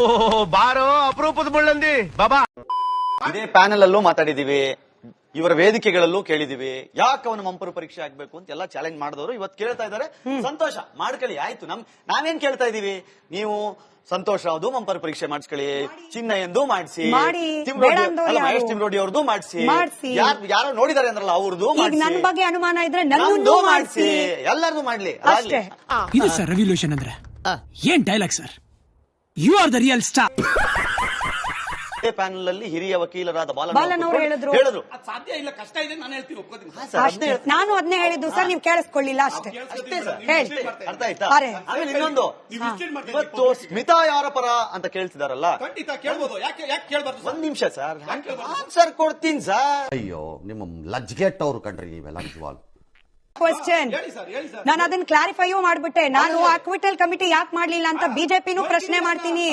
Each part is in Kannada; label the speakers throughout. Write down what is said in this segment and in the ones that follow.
Speaker 1: ಬಾರೋ ಅಪರೂಪದ ಮುಳ್ಳಂದಿ ಬಾಬಾ.
Speaker 2: ಇದೇ ಪ್ಯಾನೆಲ್ ಅಲ್ಲೂ ಮಾತಾಡಿದೀವಿ, ಇವರ ವೇದಿಕೆಗಳಲ್ಲೂ ಕೇಳಿದೀವಿ, ಯಾಕೆ ಅವನ ಮಂಪರು ಪರೀಕ್ಷೆ ಆಗ್ಬೇಕು ಅಂತ ಎಲ್ಲ ಚಾಲೆಂಜ್ ಮಾಡಿದವರು ಇವತ್ತು ಕೇಳ್ತಾ ಇದಾರೆ. ಸಂತೋಷ, ಮಾಡ್ಕೊಳ್ಳಿ, ಆಯ್ತು. ನಾವೇನ್ ಕೇಳ್ತಾ ಇದೀವಿ, ನೀವು ಸಂತೋಷ್ ರಾವ್ದು ಮಂಪರು ಪರೀಕ್ಷೆ ಮಾಡಿಸ್ಕೊಳ್ಳಿ, ಚಿನ್ನಯ್ಯಂದು ಮಾಡಿಸಿ, ಮಹೇಶ್ ತಿಮ್ರೋಡಿ ಅವ್ರದ್ದು ಮಾಡಿಸಿ, ಯಾರೋ ನೋಡಿದಾರೆ ಅಂದ್ರಲ್ಲ ಅವ್ರದ್ದು
Speaker 3: ನನ್ನ ಬಗ್ಗೆ ಅನುಮಾನ ಇದ್ರೆ ನನ್ನದು ಮಾಡಿಸಿ,
Speaker 2: ಎಲ್ಲರದು ಮಾಡ್ಲಿ.
Speaker 4: ಇದು ಸರ್ ರೆವಲ್ಯೂಷನ್ ಅಂದ್ರೆ ಏನ್ dialogue sir, you are the real star.
Speaker 2: Panel ಅಲ್ಲಿ ಹಿರಿಯ ವಕೀಲರಾದ
Speaker 3: ಬಾಲನ್ ಅವರು ಹೇಳಿದ್ರು
Speaker 5: ಸಾಧ್ಯ ಇಲ್ಲ, ಕಷ್ಟ ಇದೆ, ನಾನು ಹೇಳ್ತೀನಿ, ಒಪ್ಕೋತೀನಿ.
Speaker 3: ನಾನು ಅದನ್ನೇ ಹೇಳಿದ್ದು ಸರ್, ನೀವು ಕೇಳಿಸ್ಕೊಳ್ಳಿಲ್ಲ ಅಷ್ಟೇ.
Speaker 2: ಅರ್ಥ ಆಯ್ತಾ? ಆಮೇಲೆ ಇನ್ನೊಂದು, ಇವತ್ತು ಸ್ಮಿತಾ ಯಾರ ಪರ ಅಂತ ಕೇಳ್ತಿದಾರಲ್ಲ,
Speaker 5: ಖಂಡಿತ ಕೇಳ್ಬೋದು, ಯಾಕೆ ಕೇಳ್ಬಾರ್ದು?
Speaker 2: ಒಂದ್ ನಿಮಿಷ ಸರ್, ಆನ್ಸರ್ ಕೊಡ್ತೀನಿ ಸರ್.
Speaker 6: ಅಯ್ಯೋ, ನಿಮ್ಮ ಲಜ್ಗೆಟ್ ಅವ್ರು ಕಂಡ್ರಿ ನೀವೆಲ್ಲ ನಿಜವಾಗ್ಲು.
Speaker 3: ಕ್ವಶನ್ ನಾನು ಅದನ್ನ ಕ್ಲಾರಿಫೈಯೂ ಮಾಡ್ಬಿಟ್ಟೆ. ನಾನು ಅಕ್ವಿಟಲ್ ಕಮಿಟಿ ಯಾಕೆ ಮಾಡ್ಲಿಲ್ಲ ಅಂತ ಬಿಜೆಪಿನೂ ಪ್ರಶ್ನೆ ಮಾಡ್ತೀನಿ.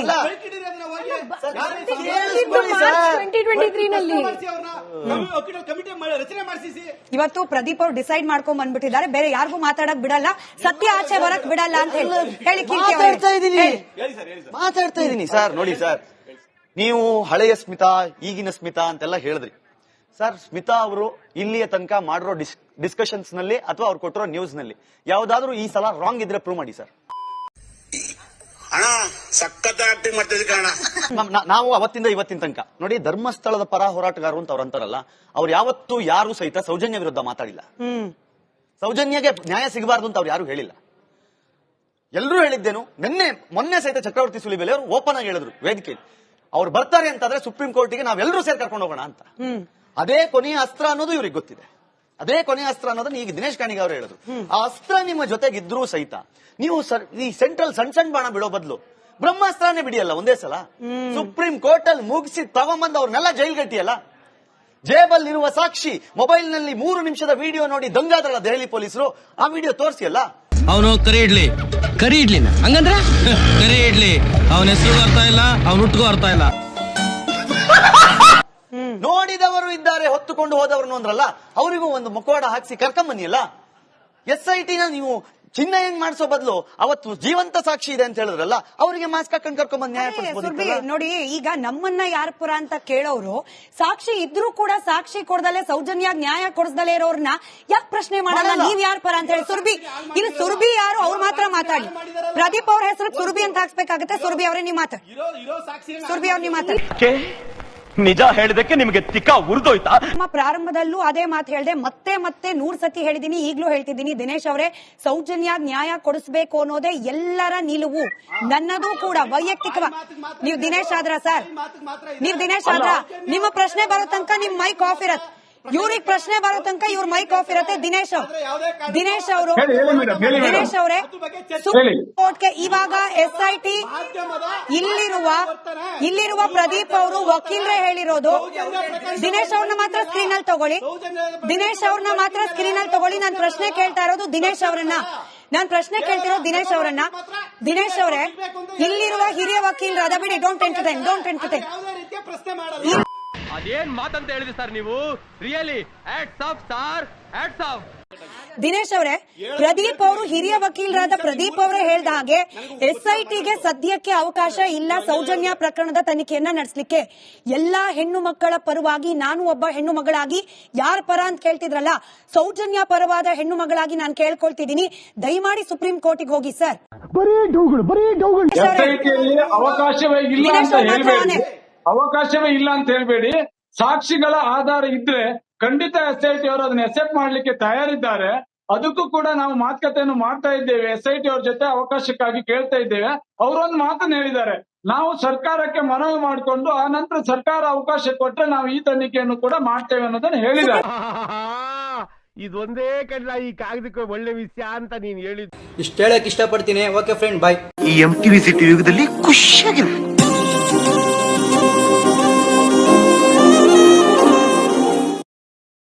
Speaker 3: ಇವತ್ತು ಪ್ರದೀಪ್ ಅವ್ರು ಡಿಸೈಡ್ ಮಾಡ್ಕೊಂಡ್ ಬಂದ್ಬಿಟ್ಟಿದ್ದಾರೆ, ಬೇರೆ ಯಾರಿಗೂ ಮಾತಾಡಕ್ ಬಿಡಲ್ಲ, ಸತ್ಯ ಆಚೆ ಬರಕ್ ಬಿಡಲ್ಲ ಅಂತ ಹೇಳಿ
Speaker 2: ಮಾತಾಡ್ತಾ ಇದೀನಿ ಸರ್. ನೋಡಿ ಸರ್, ನೀವು ಹಳೆಯ ಸ್ಮಿತಾ ಈಗಿನ ಸ್ಮಿತಾ ಅಂತೆಲ್ಲ ಹೇಳಿದ್ರಿ ಸರ್. ಸ್ಮಿತಾ ಅವರು ಇಲ್ಲಿಯ ತನಕ ಮಾಡಿರೋ ಡಿಸ್ಕಷನ್ಸ್ ನಲ್ಲಿ ಅಥವಾ ಅವ್ರು ಕೊಟ್ಟಿರೋ ನ್ಯೂಸ್ ನಲ್ಲಿ ಯಾವ್ದಾದ್ರು ಈ ಸಲ ರಾಂಗ್ ಇದ್ರೆ ಪ್ರೂವ್ ಮಾಡಿ ಸರ್. ನಾವು ಅವತ್ತಿಂದ ಇವತ್ತಿನ ತನಕ ನೋಡಿ, ಧರ್ಮಸ್ಥಳದ ಪರ ಹೋರಾಟಗಾರರು ಅಂತ ಅವ್ರು ಅಂತಾರಲ್ಲ, ಅವ್ರು ಯಾವತ್ತೂ ಯಾರು ಸಹಿತ ಸೌಜನ್ಯ ವಿರುದ್ಧ ಮಾತಾಡಿಲ್ಲ. ಸೌಜನ್ಯಗೆ ನ್ಯಾಯ ಸಿಗಬಾರ್ದು ಅಂತ ಅವ್ರು ಯಾರು ಹೇಳಿಲ್ಲ. ಎಲ್ಲರೂ ಹೇಳಿದ್ದೇನು, ಮೊನ್ನೆ ಸಹಿತ ಚಕ್ರವರ್ತಿ ಸುಲಿಬೆಲೆ ಅವರು ಓಪನ್ ಆಗಿ ಹೇಳಿದ್ರು ವೇದಿಕೆಯಲ್ಲಿ, ಅವ್ರು ಬರ್ತಾರೆ ಅಂತಂದ್ರೆ ಸುಪ್ರೀಂ ಕೋರ್ಟಿಗೆ ನಾವೆಲ್ಲರೂ ಸೇರಿ ಕರ್ಕೊಂಡು ಹೋಗೋಣ ಅಂತ. ಅದೇ ಕೊನೆಯ ಅಸ್ತ್ರ ಅನ್ನೋದು ಇವ್ರಿಗೆ ಗೊತ್ತಿದೆ. ಅದೇ ಕೊನೆಯ ಅಸ್ತ್ರ ಅನ್ನೋದನ್ನ ಈಗ ದಿನೇಶ್ ಕಾಣಿಗೆ ಅವರು ಹೇಳಿದ್ರು. ಆ ಅಸ್ತ್ರ ನಿಮ್ಮ ಜೊತೆಗಿದ್ರೂ ಸಹಿತ ನೀವು ಈ ಸೆಂಟ್ರಲ್ ಸಣ್ಣ ಬಾಣ ಬಿಡೋ ಬದಲು ಬ್ರಹ್ಮಾಸ್ತ್ರನೇ ಬಿಡಿಯಲ್ಲ ಒಂದೇ ಸಲ. ಸುಪ್ರೀಂ ಕೋರ್ಟ್ ಅಲ್ಲಿ ಮುಗಿಸಿ ತಗೊಂಬಂದ್ ಅವ್ರನ್ನೆಲ್ಲ ಜೈಲ್ಗಟ್ಟಿಯಲ್ಲ. ಜೇಬಲ್ಲಿರುವ ಸಾಕ್ಷಿ ಮೊಬೈಲ್ ನಲ್ಲಿ 3 ನಿಮಿಷದ ವಿಡಿಯೋ ನೋಡಿ ದಂಗಾದ್ರಲ್ಲ ದೆಹಲಿ ಪೊಲೀಸರು, ಆ ವಿಡಿಯೋ ತೋರಿಸಿಯಲ್ಲ.
Speaker 7: ಅವನು ಕರಿ ಇಡ್ಲಿನ ಹಂಗಂದ್ರೆ ಕರಿ ಇಡ್ಲಿ, ಅವನ ಹೆಸರು ಅರ್ಥ ಇಲ್ಲ, ಅವನ ಹುಟ್ಟಿಗೂ ಅರ್ಥ ಇಲ್ಲ.
Speaker 2: ನೋಡಿದವರು ಇದ್ದಾರೆ, ಹೊತ್ತುಕೊಂಡು ಹೋದವರು ಅಂದ್ರಲ್ಲ, ಅವರಿಗೂ ಒಂದು ಮುಖವಾಡ ಹಾಕಿಸಿ ಕರ್ಕೊಂಬನ್ನಿಯಲ್ಲ. SIT ನ ನೀವು ಚಿನ್ನ ಹೆಂಗ್ ಮಾಡಿಸೋ ಬದಲು ಅವತ್ತು ಜೀವಂತ ಸಾಕ್ಷಿ ಇದೆ ಅಂತ ಹೇಳಿದ್ರಲ್ಲ, ಅವರಿಗೆ ಮಾಸ್ಕ್ ಹಾಕೊಂಡು ಕರ್ಕೊಂಡ್ಬಂದ್ ನ್ಯಾಯ ಕೊಡಿಸಬಹುದು.
Speaker 3: ನೋಡಿ, ಈಗ ನಮ್ಮನ್ನ ಯಾರ ಪರ ಅಂತ ಕೇಳೋರು, ಸಾಕ್ಷಿ ಇದ್ರೂ ಕೂಡ ಸಾಕ್ಷಿ ಕೊಡದಲ್ಲೇ ಸೌಜನ್ಯ ನ್ಯಾಯ ಕೊಡಿಸದಲ್ಲೇ ಇರೋರ್ನ ಯಾಕೆ ಪ್ರಶ್ನೆ ಮಾಡಲ್ಲ? ನೀವ್ ಯಾರ ಪರ ಅಂತ ಹೇಳಿ ಸುರ್ಬಿ ಯಾರು ಅವ್ರು ಮಾತ್ರ ಮಾತಾಡಿ. ಪ್ರದೀಪ್ ಅವ್ರ ಹೆಸರು ಸುರ್ಬಿ ಅಂತ ಹಾಕ್ಸ್ಬೇಕಾಗತ್ತೆ. ಸುರ್ಬಿ ಅವರೇ ನೀವು ಮಾತಾಡಿ. ಸುರ್ಬಿ ಅವ್ರ ನೀವು ಮಾತಾಡಿ.
Speaker 1: ನಿಜ ಹೇಳಿದಕ್ಕೆ ನಿಮಗೆ ತಿಕ್ಕ ಉರಿದೋಯ್ತಾ?
Speaker 3: ನಮ್ಮ ಪ್ರಾರಂಭದಲ್ಲೂ ಅದೇ ಮಾತು ಹೇಳಿದೆ, ಮತ್ತೆ 100 ಸತಿ ಹೇಳಿದೀನಿ, ಈಗ್ಲೂ ಹೇಳ್ತಿದ್ದೀನಿ. ದಿನೇಶ್ ಅವರೇ, ಸೌಜನ್ಯ ನ್ಯಾಯ ಕೊಡಿಸಬೇಕು ಅನ್ನೋದೇ ಎಲ್ಲರ ನಿಲುವು, ನನ್ನದು ಕೂಡ ವೈಯಕ್ತಿಕವಾಗಿ. ನೀವು ದಿನೇಶ್ ಆದ್ರ ಸರ್, ನೀವು ದಿನೇಶ್ ಆದ್ರ, ನಿಮ್ಮ ಪ್ರಶ್ನೆ ಬರೋ ತನಕ ನಿಮ್ ಮೈಕ್ ಆಫ್ ಇರತ್ತೆ. ಇವ್ರಿಗೆ ಪ್ರಶ್ನೆ ಬರೋ ತನಕ ಇವ್ರ ಮೈಕ್ ಆಫ್ ಇರತ್ತೆ. ದಿನೇಶ್ ಅವರೇ, ಸುಪ್ರೀಂ ಕೋರ್ಟ್ಗೆ ಇವಾಗ SIT ಇಲ್ಲಿರುವ ಪ್ರದೀಪ್ ಅವರು ವಕೀಲರೇ ಹೇಳಿರೋದು. ದಿನೇಶ್ ಅವ್ರನ್ನ ಮಾತ್ರ ಸ್ಕ್ರೀನ್ ಅಲ್ಲಿ ತಗೊಳ್ಳಿ. ನಾನು ಪ್ರಶ್ನೆ ಕೇಳ್ತಾ ಇರೋದು ದಿನೇಶ್ ಅವರನ್ನ. ದಿನೇಶ್ ಅವರೇ, ಇಲ್ಲಿರುವ ಹಿರಿಯ ವಕೀಲರಾದ ಬಿಡಿ, ಡೋಂಟ್ ಎಂಟರ್ಟೈನ್.
Speaker 1: ಅದೇನ್ ಮಾತಂತ ಹೇಳಿದ್ರಿ ಸರ್ ನೀವು? Really hats off sir, hats off.
Speaker 3: Dinesh ಅವರೇ, ಪ್ರದೀಪ್ ಅವರು ಹಿರಿಯ ವಕೀಲರಾದ ಪ್ರದೀಪ್ ಅವರೇ ಹೇಳಿದ ಹಾಗೆ SITಗೆ ಸದ್ಯಕ್ಕೆ ಅವಕಾಶ ಇಲ್ಲ ಸೌಜನ್ಯ ಪ್ರಕರಣದ ತನಿಖೆಯನ್ನ ನಡೆಸಲಿಕ್ಕೆ. ಎಲ್ಲಾ ಹೆಣ್ಣು ಮಕ್ಕಳ ಪರವಾಗಿ ನಾನು ಒಬ್ಬ ಹೆಣ್ಣು ಮಗಳಾಗಿ ಯಾರ ಪರ ಅಂತ ಕೇಳ್ತಿದ್ರಲ್ಲ, ಸೌಜನ್ಯ ಪರವಾದ ಹೆಣ್ಣು ಮಗಳಾಗಿ ನಾನು ಕೇಳ್ಕೊಳ್ತಿದ್ದೀನಿ, ದಯಮಾಡಿ ಸುಪ್ರೀಂ ಕೋರ್ಟಿಗೆ ಹೋಗಿ ಸರ್.
Speaker 8: ಅವಕಾಶವೇ ಇಲ್ಲ ಅಂತ ಹೇಳ್ಬೇಡಿ. ಸಾಕ್ಷಿಗಳ ಆಧಾರ ಇದ್ರೆ ಖಂಡಿತ SIT ಅವರು ಅದನ್ನ ಅಕ್ಸೆಪ್ಟ್ ಮಾಡ್ಲಿಕ್ಕೆ ತಯಾರಿದ್ದಾರೆ. ಅದಕ್ಕೂ ಕೂಡ ನಾವು ಮಾತುಕತೆಯನ್ನು ಮಾಡ್ತಾ ಇದ್ದೇವೆ. SIT ಅವ್ರ ಜೊತೆ ಅವಕಾಶಕ್ಕಾಗಿ ಕೇಳ್ತಾ ಇದ್ದೇವೆ. ಅವರೊಂದು ಮಾತನ್ನು ಹೇಳಿದ್ದಾರೆ, ನಾವು ಸರ್ಕಾರಕ್ಕೆ ಮನವಿ ಮಾಡಿಕೊಂಡು ಆ ನಂತರ ಸರ್ಕಾರ ಅವಕಾಶ ಕೊಟ್ರೆ ನಾವು ಈ ತನಿಖೆಯನ್ನು ಕೂಡ ಮಾಡ್ತೇವೆ ಅನ್ನೋದನ್ನ ಹೇಳಿದ್ದಾರೆ.
Speaker 1: ಇದೊಂದೇ ಕಡ್ಲ ಈ ಕಾಗದಕ್ಕೆ ಒಳ್ಳೆ ವಿಷಯ ಅಂತ ನೀನ್ ಹೇಳಿದ್.
Speaker 7: ಇಷ್ಟ ಹೇಳಕ್ ಇಷ್ಟಪಡ್ತೀನಿ. Okay friend, bye.
Speaker 6: ಈ MTV ಸಿಟಿ ಯುಗದಲ್ಲಿ ಖುಷಿಯಾಗಿರು.